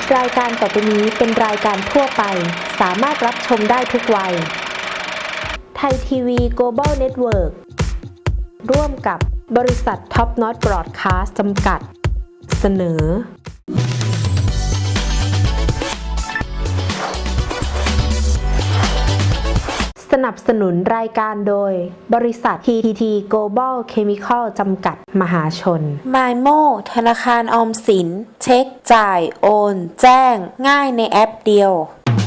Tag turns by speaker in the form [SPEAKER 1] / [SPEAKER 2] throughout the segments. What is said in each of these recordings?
[SPEAKER 1] รายการต่อไปนี้เป็นรายการทั่วไปสามารถรับชมได้ทุกวัยไทยทีวี Global Network ร่วมกับบริษัทท็อปน็อตบรอดคาสต์จำกัดเสนอสนับสนุนรายการโดยบริษัท TTT Global Chemical จำกัดมหาชน
[SPEAKER 2] MyMo ธนาคารออมสินเช็คจ่ายโอนแจ้งง่ายในแอปเดียว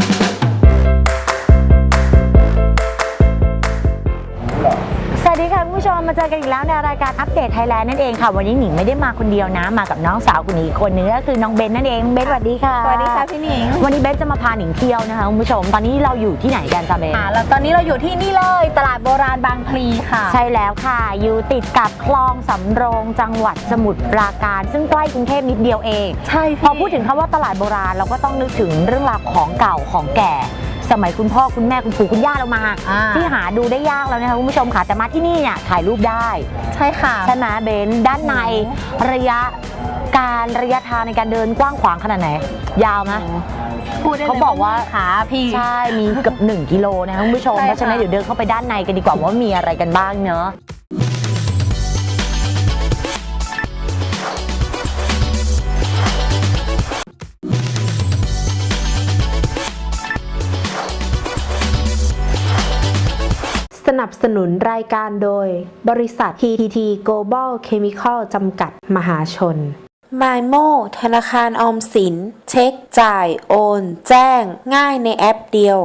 [SPEAKER 3] สวัสดีค่ะคุณผู้ชมมาเจอกันอีกแล้วในรายการอัปเดตไทยแลนด์นั่นเองค่ะวันนี้หนิงไม่ได้มาคนเดียวนะมากับน้องสาวคนนี้อีกคนนึงก็คือน้องเบนนั่นเองเบนสวัสดีค่ะ
[SPEAKER 2] สวัสดีค่ะพี่หนิง
[SPEAKER 3] วันนี้เบนจะมาพาหนิงเที่ยวนะคะคุณผู้ชมตอนนี้เราอยู่ที่ไหนกันจ๊ะเบน
[SPEAKER 2] แล้วตอนนี้เราอยู่ที่นี่เลยตลาดโบราณบางพลีค่ะ
[SPEAKER 3] ใช่แล้วค่ะอยู่ติดกับคลองสำโรงจังหวัดสมุทรปราการซึ่งใกล้กรุงเทพนิดเดียวเอง
[SPEAKER 2] ใช่
[SPEAKER 3] พอพูดถึงคำว่าตลาดโบราณเราก็ต้องนึกถึงเรื่องราวของเก่าของแก่สมัยคุณพ่อคุณแม่คุณปู่คุณย่าเรามาที่หาดูได้ยากแล้วนะคะคุณผู้ชมค่ะแต่มาที่นี่เนี่ยถ่ายรูปได้
[SPEAKER 2] ใช่ค่ะ
[SPEAKER 3] ใช่ไหมเบนด้านในระยะทางในการเดินกว้างขวางขนาดไหนยาวไหมเขาบอกว่า
[SPEAKER 2] ขาพี่
[SPEAKER 3] ใช่มีเกือบ1 กิโลนะคะคุณผู้ชมเพราะฉะนั้นเดี๋ยวเดินเข้าไปด้านในกันดีกว่าว่ามีอะไรกันบ้างเนอะ
[SPEAKER 1] สนับสนุนรายการโดยบริษัท TTT Global Chemical จำกัดมหาชน
[SPEAKER 2] MyMo ธนาคารออมสินเช็คจ่ายโอนแจ้งง่ายในแอปเดียว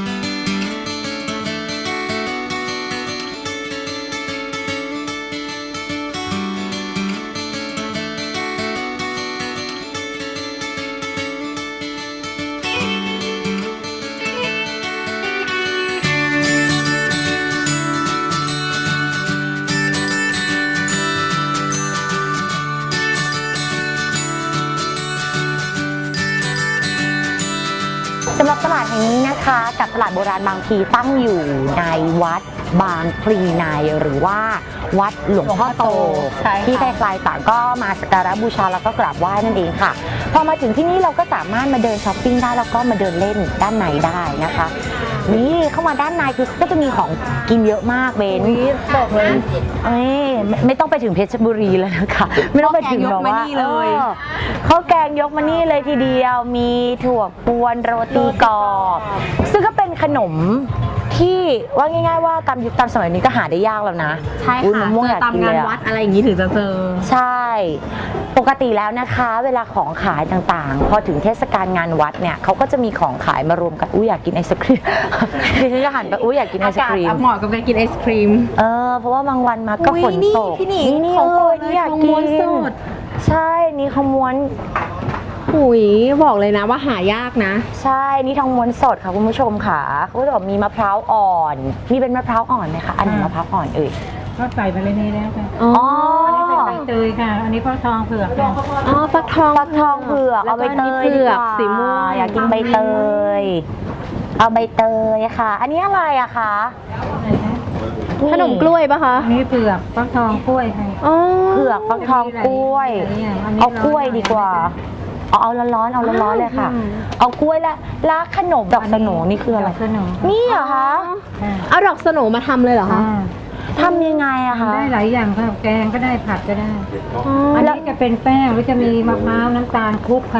[SPEAKER 3] สำหรับตลาดแห่งนี้นะคะกับตลาดโบราณบางพลีตั้งอยู่ในวัดบางพลีในหรือว่าวัดหลวงพ่อโตที่ใครๆต่างก็มาสักการะบูชาแล้วก็กราบไหว้นั่นเองค่ะพอมาถึงที่นี่เราก็สามารถมาเดินช้อปปิ้งได้แล้วก็มาเดินเล่นด้านในได้นะคะนี่เข้ามาด้านในคือก็จะมีของกินเยอะมากเบน
[SPEAKER 2] บอกเลย
[SPEAKER 3] ไม่ต้องไปถึงเพชรบุรีแล้วนะคะไม่ต้องไปถึงแบบว่าข้าวแกงยกมานี่เลยทีเดียวมีถั่วกวนโรตีกรอบซึ่งก็เป็นขนมที่ว่าง่ายๆว่าตามยุคตามสมัยนี้ก็หาได้ยากแล้วนะ
[SPEAKER 2] ใช่ค่ะเจอตามงานวัดอะไรอย่างนี้ถึงจะเจอ
[SPEAKER 3] ใช่ปกติแล้วนะคะเวลาของขายต่างๆพอถึงเทศกาลงานวัดเนี่ยเขาก็จะมีของขายมารวมกันอยากกินไอศครีมดิฉันจะหันไปอยากกินไอศครีม
[SPEAKER 2] เหมาะกับการกินไอศครีม
[SPEAKER 3] เพราะว่าบางวันมาก็ฝนตก
[SPEAKER 2] นี่
[SPEAKER 3] อยากกินใช่นี่ขมวน
[SPEAKER 2] หุยบอกเลยนะว่าหายากนะ
[SPEAKER 3] ใช่นี่ทองม้วนสดค่ะคุณผู้ชมค่ะเขาบอกมีมะพร้าวอ่อนมีเป็นมะพร้าวอ่อนไหมคะอันไหนมะพร้าวอ่อน
[SPEAKER 4] ก็ใส่ไปเลยนี่แล้วค่ะ
[SPEAKER 3] อ๋อ
[SPEAKER 4] อันนี้เป็นใบเตยค่ะอันนี้ฟักทองเผือกค่ะ
[SPEAKER 3] ฟักทองเผือกเอาใบเตย
[SPEAKER 2] เผือกสีม่วง
[SPEAKER 3] อยากกินใบเตยเอาใบเตยค่ะอันนี้อะไรอะคะ
[SPEAKER 2] ขนมกล้วยปะคะ
[SPEAKER 4] อันนี้เผือกฟักทองกล้วยค่ะ
[SPEAKER 3] เผือกฟักทองกล้วยเอากล้วยดีกว่าเอาร้อนเลยค่ะเอากล้วยและขนมดอกสโหนนี่คืออะไรนี่เหรอคะ
[SPEAKER 2] เอาดอกสโหนมาทำเลยเหรอคะ
[SPEAKER 3] ทำยังไงอะคะ
[SPEAKER 4] ได้หลายอย่างค่ะแกงก็ได้ผัดก็ได้อันนี้จะเป็นแป้งหรือจะมีมะพร้าวน้ำตาลคลุกค่ะ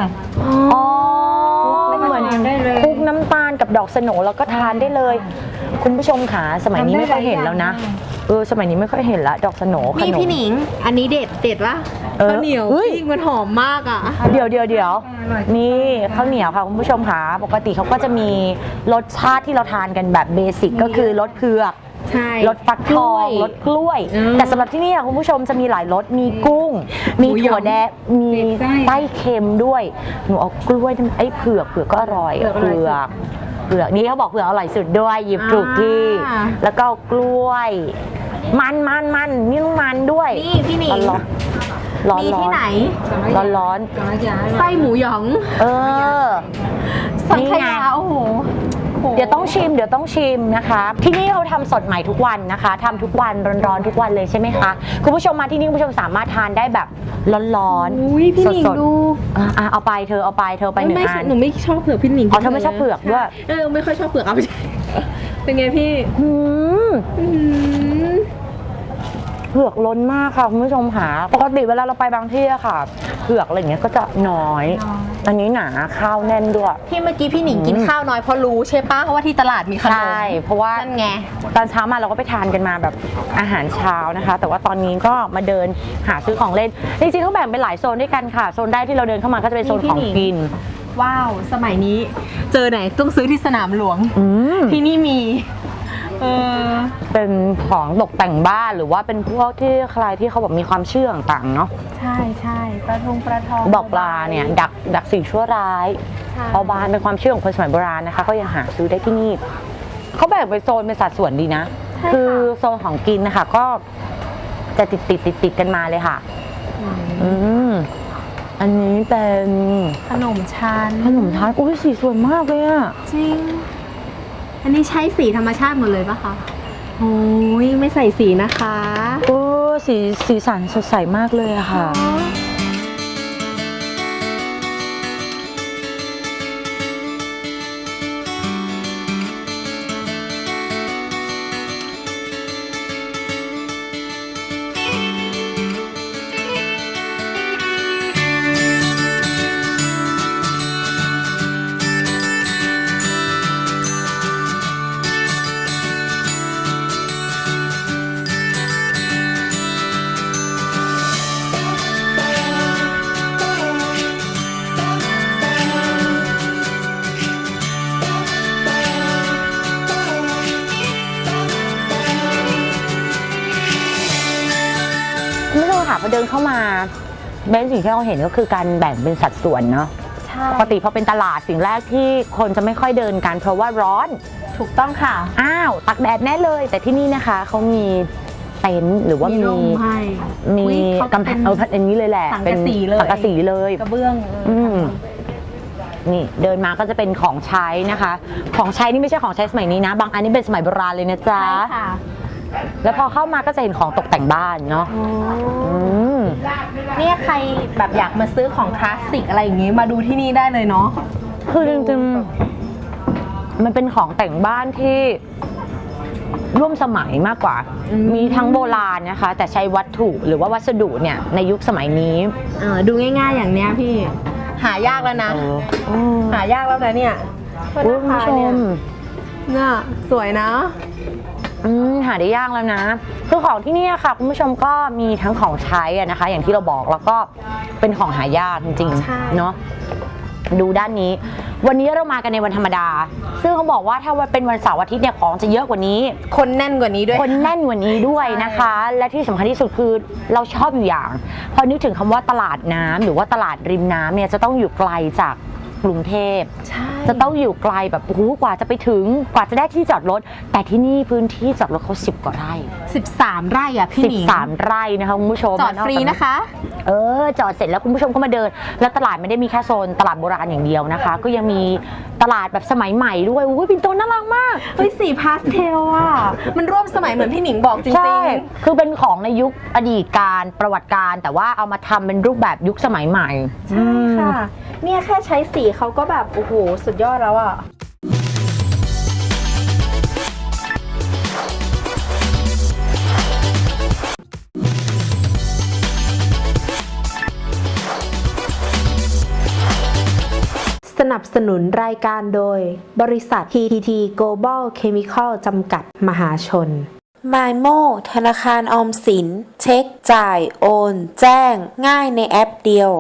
[SPEAKER 3] เหมือนคลุกน้ำตาลกับดอกสโหนแล้วก็ทานได้เลยคุณผู้ชมค่ะสมัยนี้ไม่ค่อยเห็นแล้วนะสมัยนี้ไม่ค่อยเห็นละดอกสโหนขนม
[SPEAKER 2] พี่หนิงอันนี้เด็ดวะข้าวเหนียวจริงมันหอมมากอ่ะ
[SPEAKER 3] เดี๋ยวนี่ข้าวเหนียวค่ะคุณผู้ชมค่ะปกติเขาก็จะมีรสชาติที่เราทานกันแบบเบสิกก็คือรสเผือกรสฟักทองรสกล้วยแต่สำหรับที่นี่คุณผู้ชมจะมีหลายรสมีกุ้งมีถั่วแดงมีไส้เค็มด้วยหนูเอากล้วยไอ้เผือกก็อร่อยเผือกนี้เขาบอกเผือกอร่อยสุดด้วยหยิบถูกที่แล้วก็กล้วยมันนี่ต้องมันด้วย
[SPEAKER 2] นี่พี่หนิงมีที่ไหน
[SPEAKER 3] ร้อน
[SPEAKER 2] ไส้หมูหยอง
[SPEAKER 3] สังขยา
[SPEAKER 2] โอ้โห
[SPEAKER 3] เดี๋ยวต้องชิมนะคะ ที่นี่เขาทำสดใหม่ทุกวันนะคะทำทุกวันร้อนๆทุกวันเลยใช่ไหมคะคุณผู้ชมมาที่นี่คุณผู้ชมสามารถทานได้แบบร้อน
[SPEAKER 5] อุ้ยพี่หนิง
[SPEAKER 3] สดๆ
[SPEAKER 5] ดู
[SPEAKER 3] เอาไปเธอเอาไปหนึ่งอัน
[SPEAKER 5] หนูไม่ชอบเผือกพี่หนิง
[SPEAKER 3] อ๋อเธอไม่ชอบเผือกด้วย
[SPEAKER 5] ไม่ค่อยชอบเผือกเอาไปใช่เป็นไงพี่
[SPEAKER 3] อืม
[SPEAKER 5] อืม
[SPEAKER 3] เผือกล้นมากค่ะคุณผู้ชมค่ะปกติเวลาเราไปบางที่อะค่ะเผือกอะไรอย่างเงี้ยก็จะน้อย อันนี้หนาข้าวแน่นด้วย
[SPEAKER 5] ที่เมื่อกี้พี่หนิงกินข้าวน้อยเพราะรู้ใช่ปะเพราะว่าที่ตลาดมีขนม
[SPEAKER 3] ใช่เพราะว่า
[SPEAKER 5] นั่นไง
[SPEAKER 3] ตอนเช้ามาเราก็ไปทานกันมาแบบอาหารเช้านะคะ แต่ว่าตอนนี้ก็มาเดินหาซื้อของเล่นจริงๆเขาแบ่งเป็นหลายโซนด้วยกันค่ะโซนแรกที่เราเดินเข้ามาก็จะเป็นโซนของกิน
[SPEAKER 5] ว้าวสมัยนี้เจอไหนต้องซื้อที่สนามหลวง
[SPEAKER 3] อืม
[SPEAKER 5] ที่นี่มี
[SPEAKER 3] เป็นของตกแต่งบ้านหรือว่าเป็นพวกที่ใครที่เขาแบบมีความเชื่อต่างๆเนาะ
[SPEAKER 5] ใช่ปลาทอง
[SPEAKER 3] บอกปลาเนี่ยดักสิ่งชั่วร้าย
[SPEAKER 5] ใช่
[SPEAKER 3] เอาบานเป็นความเชื่อของคนสมัยโบราณนะคะก็ยังหาซื้อได้ที่นี่เขาแบ่งเป็นโซนเป็นสัดส่วนดีนะ คือโซนของกินนะคะก็จะติดกันมาเลยค่ะอันนี้เป็น
[SPEAKER 5] ขนมชั้น
[SPEAKER 3] ขนมทานอุ้ยสีสวยมากเลยอะ
[SPEAKER 5] จริง อันนี้ใช้สีธรรมชาติหมดเลยปะคะโอ้ยไม่ใส่สีนะคะ
[SPEAKER 3] โอ้สีสันสดใสมากเลยอะค่ะ คุณผู้ชมค่ะพอเดินเข้ามาเบนสิ่งที่เราเห็นก็คือการแบ่งเป็นสัดส่วนเนาะ
[SPEAKER 5] ใช่
[SPEAKER 3] ปกติพอเป็นตลาดสิ่งแรกที่คนจะไม่ค่อยเดินกันเพราะว่าร้อน
[SPEAKER 5] ถูกต้องค่ะ
[SPEAKER 3] อ้าวตักแดดแน่เลย แต่ที่นี่นะคะเขามีเต็นท์หรือว่ามี
[SPEAKER 5] ร่มให้
[SPEAKER 3] มี
[SPEAKER 5] อุ๊ยเขา
[SPEAKER 3] กำแพงอันนี้เลยแหละ
[SPEAKER 5] สังกะสีเลย
[SPEAKER 3] สังกะสีเลย
[SPEAKER 5] กระเบื้อง
[SPEAKER 3] นี่เดินมาก็จะเป็นของใช้นะคะ ของใช้นี่ไม่ใช่ของใช้สมัยนี้นะ บางอันนี่เป็นสมัยโบราณเลยนะจ๊ะ
[SPEAKER 5] ใช่ค่ะ
[SPEAKER 3] แล้วพอเข้ามาก็จะเห็นของตกแต่งบ้านเนาะม
[SPEAKER 5] เนี่ยใครแบบอยากมาซื้อของคลาสสิกอะไรอย่างงี้มาดูที่นี่ได้เลยเนาะ
[SPEAKER 3] คือจริงๆมันเป็นของแต่งบ้านที่ร่วมสมัยมากกว่า มีทั้งโบราณนะคะ แต่ใช้วัตถุหรือว่าวัสดุเนี่ยในยุคสมัยนี้
[SPEAKER 5] ดูง่ายๆอย่างเนี้ยพี่ หายากแล้วนะ หายากแล้วนะเนี่ย
[SPEAKER 3] คุณผู้ชม
[SPEAKER 5] เนี่ยสวยนะ
[SPEAKER 3] หาได้ยากแล้วนะ คือของที่นี่ค่ะคุณผู้ชมก็มีทั้งของใช้อะนะคะ อย่างที่เราบอกแล้วก็เป็นของหายากจริง
[SPEAKER 5] ใช่
[SPEAKER 3] ๆเนาะดูด้านนี้ วันนี้เรามากันในวันธรรมดา ซึ่งเขาบอกว่าถ้าวันเป็นวันเสาร์อาทิตย์เนี่ยของจะเยอะกว่านี้
[SPEAKER 5] คนแน่นกว่านี้ด้วย
[SPEAKER 3] คนแน่นกว่านี้ด้วยนะคะ และที่สำคัญที่สุดคือเราชอบอยู่อย่างพอนึกถึงคำว่าตลาดน้ำหรือว่าตลาดริมน้ำเนี่ยจะต้องอยู่ไกลจากกรุงเทพ
[SPEAKER 5] ใช่
[SPEAKER 3] จะต้องอยู่ไกลแบบโอ้โหกว่าจะไปถึงกว่าจะได้ที่จอดรถ แต่ที่นี่พื้นที่จอดรถเขา10 กว่าไร่
[SPEAKER 5] 13 ไร่อ่ะพี่หนิง
[SPEAKER 3] 13 ไร่นะคะคุณผู้ชม
[SPEAKER 5] จอดฟรีนะคะ
[SPEAKER 3] จอดเสร็จแล้วคุณผู้ชมก็มาเดิน แล้วตลาดไม่ได้มีแค่โซนตลาดโบราณอย่างเดียวนะคะ ก็ยังมีตลาดแบบสมัยใหม่ด้วยอุ้ยปิ่นโตน่ารักมาก
[SPEAKER 5] เฮ้ยสีพาสเทลอ่ะ มันร่วมสมัยเหมือนพี่หนิงบอกจริง
[SPEAKER 3] ใช่คือเป็นของในยุคอดีตการประวัติการ แต่ว่าเอามาทำเป็นรูปแบบยุคสมัยใหม่
[SPEAKER 5] ๆ ใช่ค่ะ เนี่ยแค่ใช้สีเขาก็แบบโอ้โหสุดยอดแล้วอ่ะ
[SPEAKER 1] สนับสนุนรายการโดย บริษัท TTT Global Chemical จำกัดมหาชน
[SPEAKER 2] MyMo ธนาคารออมสิน เช็คจ่าย โอน แจ้ง ง่ายในแอปเดียว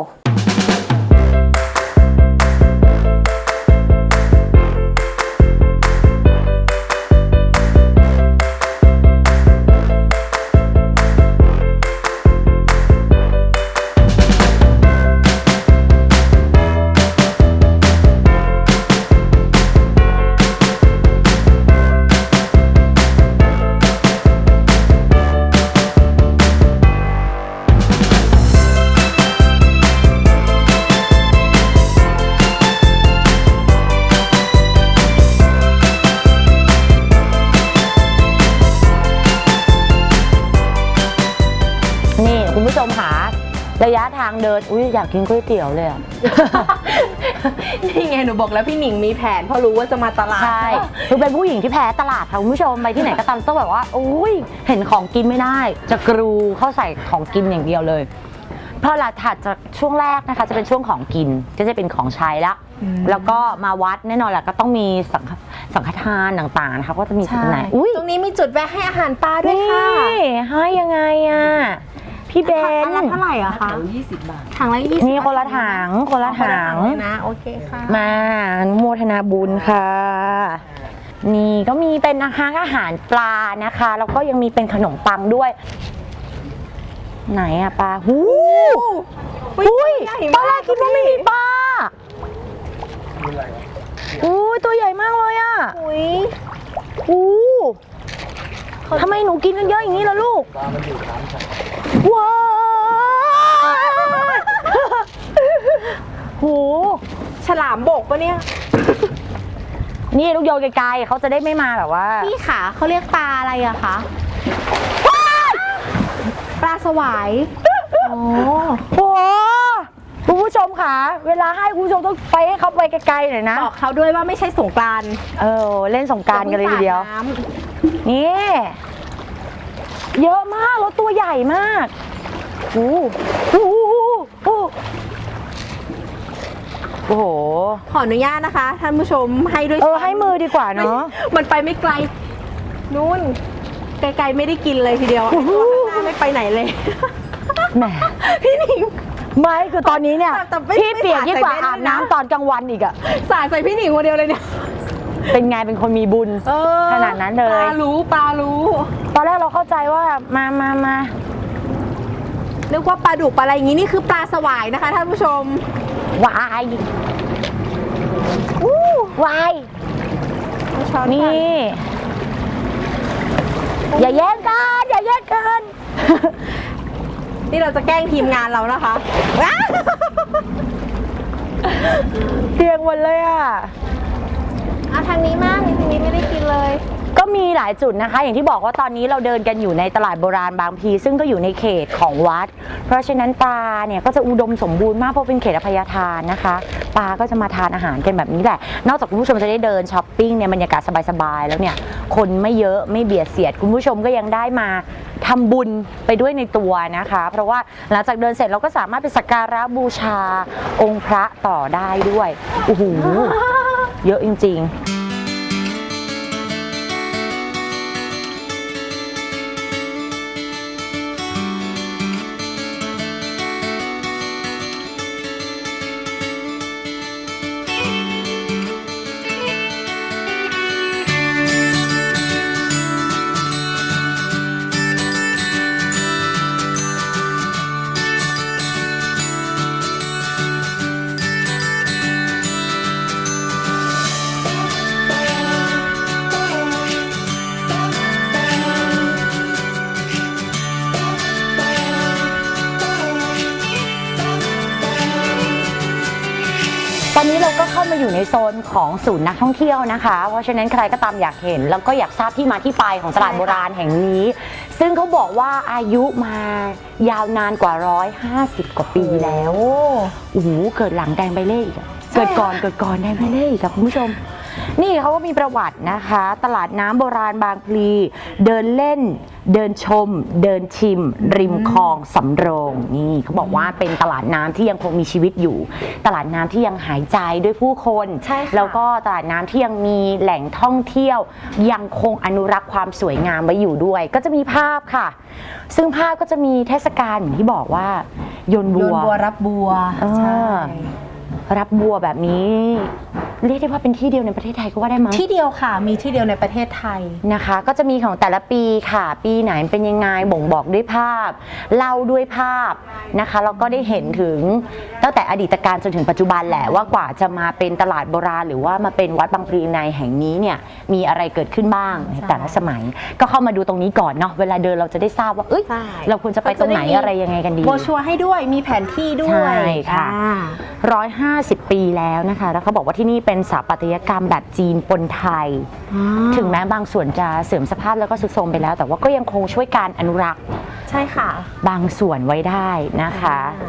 [SPEAKER 3] ระยะทางเดินอุ้ยอยากกินก๋วยเตี๋ยวเลยอะ
[SPEAKER 5] นี่ไงหนูบอกแล้วพี่หนิงมีแผนเพราะรู้ว่าจะมาตลาด
[SPEAKER 3] ใช่คือเป็นผู้หญิงที่แพ้ตลาดค่ะคุณผู้ชมไปที่ไหนก็ตามต้องแบบว่าอุ้ยเห็นของกินไม่ได้จะกรูเข้าใส่ของกินอย่างเดียวเลยพอหลังถัดจากช่วงแรกนะคะจะเป็นช่วงของกินก็จะเป็นของใช้ละแล้วก็มาวัดแน่นอนแหละก็ต้องมีสังฆทานต่างๆนะคะก็จะมีจุดไหนอุ้ย
[SPEAKER 5] ตรงนี้มีจุดแวะให้อาหารปลาด้วย
[SPEAKER 3] นี่
[SPEAKER 5] ค่ะ
[SPEAKER 3] ให้ยังไงอ่ะพี่เบน
[SPEAKER 5] ถังละเท่าไหร่อะคะ20 บาทถังละ20
[SPEAKER 3] นี่คนละถังคนละถัง
[SPEAKER 5] เลยนะโอเคค่ะ
[SPEAKER 3] มาอนุโมทนาบุญค่ะ นี่ก็มีเป็นอาหารปลานะคะแล้วก็ยังมีเป็นขนมปังด้วย ไหนอะปลาหูอุ้ยตอนแรกคิดว่าไม่มีปลาอุ้ยตัวใหญ่มากเลยอะอู้ทำไมหนูกินกันเยอะอย่างนี้ล่ะลูกว้าวโห
[SPEAKER 5] ฉลามบกปะเนี่ย
[SPEAKER 3] นี่ลูกโยนไกลๆเขาจะได้ไม่มาแบบว่า
[SPEAKER 5] พี่ขาเขาเรียกปลาอะไรอะคะปลาสวายโอ้
[SPEAKER 3] โหคุณผู้ชมค่ะเวลาให้คุณผู้ชมต้องไปให้เขาไปไกลๆหน่อยนะ
[SPEAKER 5] บอกเขาด้วยว่าไม่ใช่สงกรานต์
[SPEAKER 3] เล่นสงกรานต์กันเลยทีเดียว
[SPEAKER 5] น้ำ
[SPEAKER 3] นี่เยอะมากแล้วตัวใหญ่มากโอ้โหโอ้โห
[SPEAKER 5] ขออนุญาตนะคะท่านผู้ชมให้ด้วย
[SPEAKER 3] ให้มือดีกว่าเนาะ
[SPEAKER 5] มันไปไม่ไกลนู่นไกลๆไม่ได้กินเลยทีเดียวไอ้ตัวข้างหน้าไม่ไปไหนเลย
[SPEAKER 3] แหม
[SPEAKER 5] พี่หนิง
[SPEAKER 3] ไม่คือตอนนี้เนี่ย
[SPEAKER 5] แต่ไม่
[SPEAKER 3] พี่เปียกยิ่งกว่า
[SPEAKER 5] ไม่ใส่
[SPEAKER 3] อาบ
[SPEAKER 5] แว่นด้วยนะ
[SPEAKER 3] น้ำตอนกลางวันอีกอะ
[SPEAKER 5] สาดใส่พี่หนิงคนเดียวเลยเนี่ย
[SPEAKER 3] เป็นไงเป็นคนมีบุญ ขนาดนั้นเลย
[SPEAKER 5] ปลารู้
[SPEAKER 3] ตอนแรกเราเข้าใจว่ามา
[SPEAKER 5] นึกว่าปลาดุกปลาอะไรอย่างงี้นี่คือปลาสวายนะคะท่านผู้ชม
[SPEAKER 3] วายวาย
[SPEAKER 5] ช้อน
[SPEAKER 3] นี่
[SPEAKER 5] ก่อน
[SPEAKER 3] อย่าแย่งกันอย่าแย่งกัน
[SPEAKER 5] นี่เราจะแกล้งทีมงานเรานะคะว้าว
[SPEAKER 3] เพียงหมดเลยอ่ะ
[SPEAKER 5] เอาทางนี้มากทางนี้ไม่ได้กินเลย
[SPEAKER 3] ก็มีหลายจุดนะคะ อย่างที่บอกว่าตอนนี้เราเดินกันอยู่ในตลาดโบราณบางพลีซึ่งก็อยู่ในเขตของวัด เพราะฉะนั้นปลาเนี่ยก็จะอุดมสมบูรณ์มากเพราะเป็นเขตอภัยทานนะคะปลาก็จะมาทานอาหารกันแบบนี้แหละนอกจากคุณผู้ชมจะได้เดินช้อปปิ้งเนี่ยบรรยากาศสบายๆแล้วเนี่ยคนไม่เยอะไม่เบียดเสียดคุณผู้ชมก็ยังได้มาทำบุญไปด้วยในตัวนะคะเพราะว่าหลังจากเดินเสร็จเราก็สามารถไปสักการะบูชาองค์พระต่อได้ด้วยโอ้โหเยอะจริงๆตอนนี้เราก็เข้ามาอยู่ในโซนของศูนย์นักท่องเที่ยวนะคะ เพราะฉะนั้นใครก็ตามอยากเห็นแล้วก็อยากทราบที่มาที่ไปของตลาดโบราณแห่งนี้ ซึ่งเขาบอกว่าอายุมายาวนานกว่า150 กว่าปีแล้วโอ้โหเกิดหลังแดงใบเล่อีกอะเกิดก่อนแดงใบเล่อีกค่ะคุณผู้ชม นี่เขาก็มีประวัตินะคะ ตลาดน้ำโบราณบางพลีเดินเล่นเดินชม เดินชิม ริมคลองสำโรงนี่เขาบอกว่าเป็นตลาดน้ำที่ยังคงมีชีวิตอยู่ ตลาดน้ำที่ยังหายใจด้วยผู้คน
[SPEAKER 5] ใช่ค่ะ
[SPEAKER 3] แล้วก็ตลาดน้ำที่ยังมีแหล่งท่องเที่ยวยังคงอนุรักษ์ความสวยงามไว้อยู่ด้วย ก็จะมีภาพค่ะ ซึ่งภาพก็จะมีเทศกาลอย่างที่บอกว่าโยนบัว
[SPEAKER 5] รับบัว
[SPEAKER 3] ใช่รับบัวแบบนี้เรียกได้ว่าเป็นที่เดียวในประเทศไทยก็ว่าได้มั้ง
[SPEAKER 5] ที่เดียวค่ะมีที่เดียวในประเทศไทย
[SPEAKER 3] นะคะก็จะมีของแต่ละปีค่ะ ปีไหนเป็นยังไงบ่งบอกด้วยภาพเล่าด้วยภาพนะคะแล้วก็ได้เห็นถึงตั้งแต่อดีตการจนถึงปัจจุบันแหละว่ากว่าจะมาเป็นตลาดโบราณหรือว่ามาเป็นวัดบางพลีในแห่งนี้เนี่ยมีอะไรเกิดขึ้นบ้างในแต่ละสมัย ก็เข้ามาดูตรงนี้ก่อนเนาะเวลาเดินเราจะได้ทราบว่าเอ้ย
[SPEAKER 5] ใช่
[SPEAKER 3] เราควรจะไปตรงไหนอะไรยังไงกันดี
[SPEAKER 5] โบรชัวร์ให้ด้วยมีแผนที่ด้วย
[SPEAKER 3] ใช่ค่ะ
[SPEAKER 5] อ่า
[SPEAKER 3] 150 ปีแล้วนะคะแล้วเขาบอกว่าที่นี่เป็นสถาปัตยกรรมแบบจีนปนไทย ถึงแม้บางส่วนจะเสื่อมสภาพแล้วก็ทรุดโทรมไปแล้ว แต่ว่าก็ยังคงช่วยการอนุรักษ์
[SPEAKER 5] ใช่ค่ะ
[SPEAKER 3] บางส่วนไว้ได้นะคะ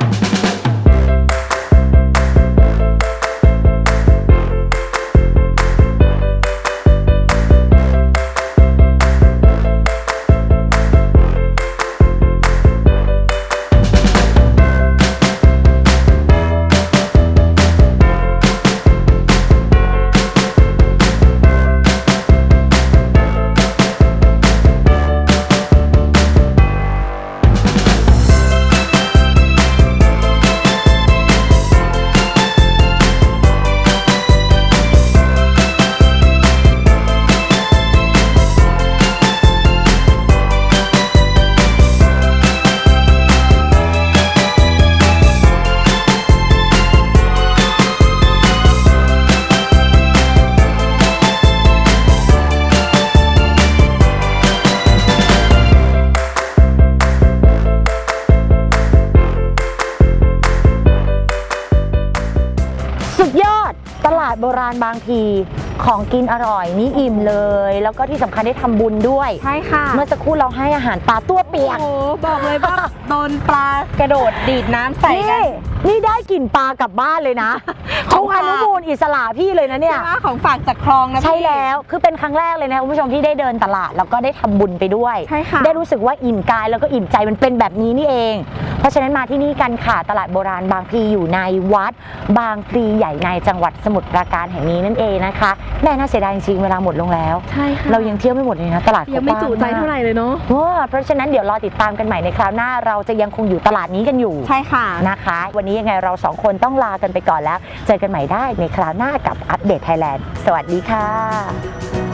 [SPEAKER 3] สุดยอดตลาดโบราณบางพลีของกินอร่อยนี่อิ่มเลย แล้วก็ที่สำคัญได้ทำบุญด้วย
[SPEAKER 5] ใช่ค่ะ
[SPEAKER 3] เมื่อสักครู่เราให้อาหารปลาตัวเปียก
[SPEAKER 5] โอ้โหบอกเลยว่า โดนปลากระโดดดีดน้ำใส่กัน
[SPEAKER 3] นี่ได้กลิ่นปลากลับบ้านเลยนะ
[SPEAKER 5] ของ
[SPEAKER 3] เขา
[SPEAKER 5] ฝาก
[SPEAKER 3] อนุมูลอิสระพี่เลยนะเนี่ย
[SPEAKER 5] ใช่ไหมของฝากจากคลองนะพี่
[SPEAKER 3] ใช่แล้วคือเป็นครั้งแรกเลยนะคุณผู้ชมที่ได้เดินตลาดแล้วก็ได้ทำบุญไปด้วย
[SPEAKER 5] ใช่ค่ะ
[SPEAKER 3] ได้รู้สึกว่าอิ่มกายแล้วก็อิ่มใจมันเป็นแบบนี้นี่เอง เพราะฉะนั้นมาที่นี่กันค่ะตลาดโบราณบางพลีอยู่ในวัดบางพลีใหญ่ในจังหวัดสมุทรปราการแห่งนี้นั่นเองนะคะแม่น่าเสียดายจริงๆเวลาหมดลงแล้ว
[SPEAKER 5] ใช่ค่ะ
[SPEAKER 3] เรายังเที่ยวไม่หมดเลยนะตลาด
[SPEAKER 5] ยังไม่จุใจเท่าไหร่เลยเนาะ
[SPEAKER 3] เพราะฉะนั้นเดี๋ยวรอติดตามกันใหม่ในคราวหน้าเราจะยังคงอยู่ตลาดนี้กันอยู่
[SPEAKER 5] ใช่ค่ะ
[SPEAKER 3] นะคะ วันนี้ยังไงเราสองคนต้องลากันไปก่อนแล้ว เจอกันใหม่ได้ในคราวหน้ากับอัปเดตไทยแลนด์สวัสดีค่ะ